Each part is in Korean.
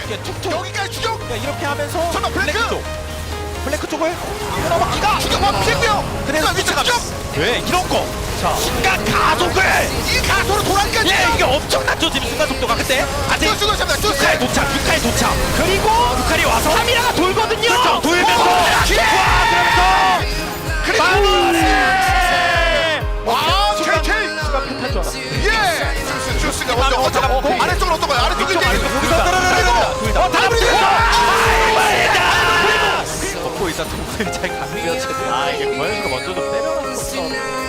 툭툭. 여기까지 추격. 이렇게 하면서 설마 블랙? 블랙 쪽을 넘어기가 추격 멈추고요. 그래서 위치 추격. 왜 이런 거? 자, 순간 가속을 이 가소로 돌아가지. 예, 이게 엄청났죠 지금 순간 속도가. 근데 아직 쭈쭈쭈 쭈쭈. 6칼 도착, 6칼 도착. 그리고 6칼이 와서 카미라가 돌거든요. 그렇죠, 돌면서 그리고 마무리. 와, KK. 순간 패탈 줄 알았어. 예. 주스가 먼저 어쩌고 아래쪽으로 어떤 거야? 아래쪽에 이쪽 아래쪽 여기서 둘다 다블리. 덮고 있다 동생 잘 가면 최대. 아 이게 고현이가 먼저 좀 때려놨었던 상황이네요.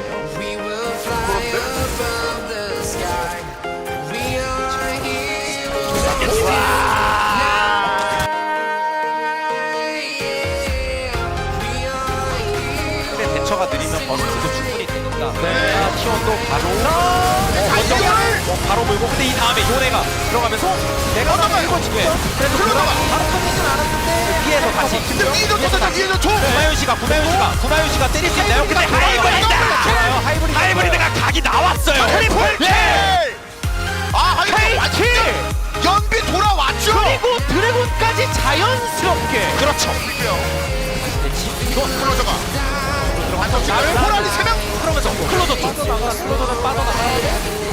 근데 대처가 느리면 버스트도 충분히 되니까. 네. 티원도 바로 먼저 바로 물고. 근데 이 다음에 요네가 들어가면서 내가 먼저 밀고 지금. 그래도 들어가봐. 바로 터지진 않았는데 위에서 다시. 근데 위에서 터졌다. 위에서 총. 구마윤 씨가 때릴 수 있나요? 근데 하이브리드가 각이 나왔어요. 트리플 킬. 아, 하이브리드 왔지. 연비 돌아왔죠. 그리고 드래곤까지 자연스럽게. 그렇죠. 이거 클로저가. 나를 호란이 3명. 그러면서 클로저는 빠져나가는데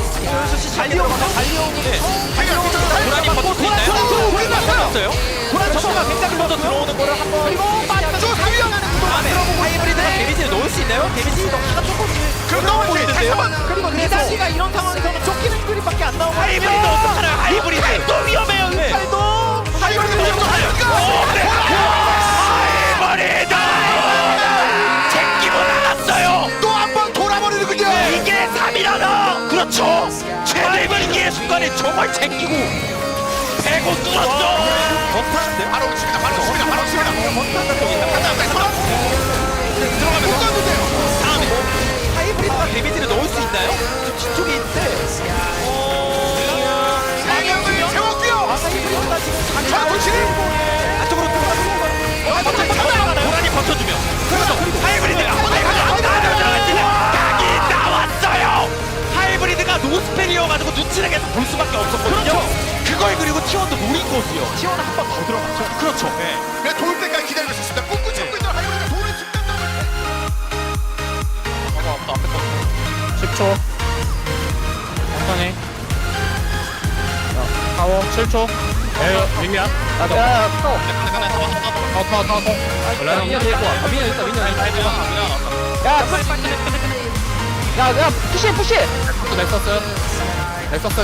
달리오는데 도란이 버틸 수 있나요? 도란이 도란 저거가 굉장히 먼저 들어오는 거를 한번 그리고 저 상위형. 다음에 하이브리드가 데미지를 넣을 수 있나요? 데미지 넣기가 조금씩 그럼 넣어야지. 다시 한번. 그리고 리다시가 이런 상황에서는 쫓기는 그림밖에 안 나오고 하이브리드 어떡하나요? 하이브리드 또 위험해요. 은칼도 하이브리드 먼저 하이브리드 제끼고 나갔어요. 또 한 번 돌아버리는군요. 이게 3이라나. 그렇죠. 최대 위기의 순간에 정말 제끼고 배고 뚫었죠. 버타는데 바로 칩니다. 바로 칩니다. 바로 칩니다. 들어가면서 다음에 하이브리드가 데미지를 넣을 수 있나요? 저 뒤쪽에 있는데 상향을 세웠고요. 하이브리드가 지금 자, 돌치기. 안쪽으로 도란이 버텨주면 그래서 하이브리드가 각이 나왔어요. 하이브리드가 노스펠이어가지고 눈치를 계속 볼 수밖에 없었거든요. 그걸 그리고 T1도 노린 거고요. T1은 한 번 더 들어갔죠. 그렇죠. 네. 돌 때까지 기다리고 있었습니다. 꾹꾹 참고 있던 하이브리드가 돌을 칩는다고. 10초 천천히 파워 7초 에이 림이야 나도 타워 미니언 데리고 와 미니언 있다 야 푸시 넥서스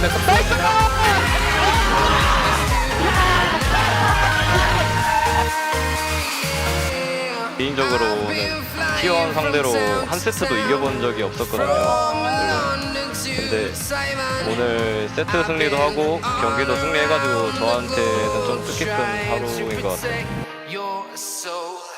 개인적으로는 T1 상대로 한 세트도 이겨본 적이 없었거든요. 근데 오늘 세트 승리도 하고 경기도 승리해가지고 저한테는 좀 뜻깊은 하루인 것 같아요.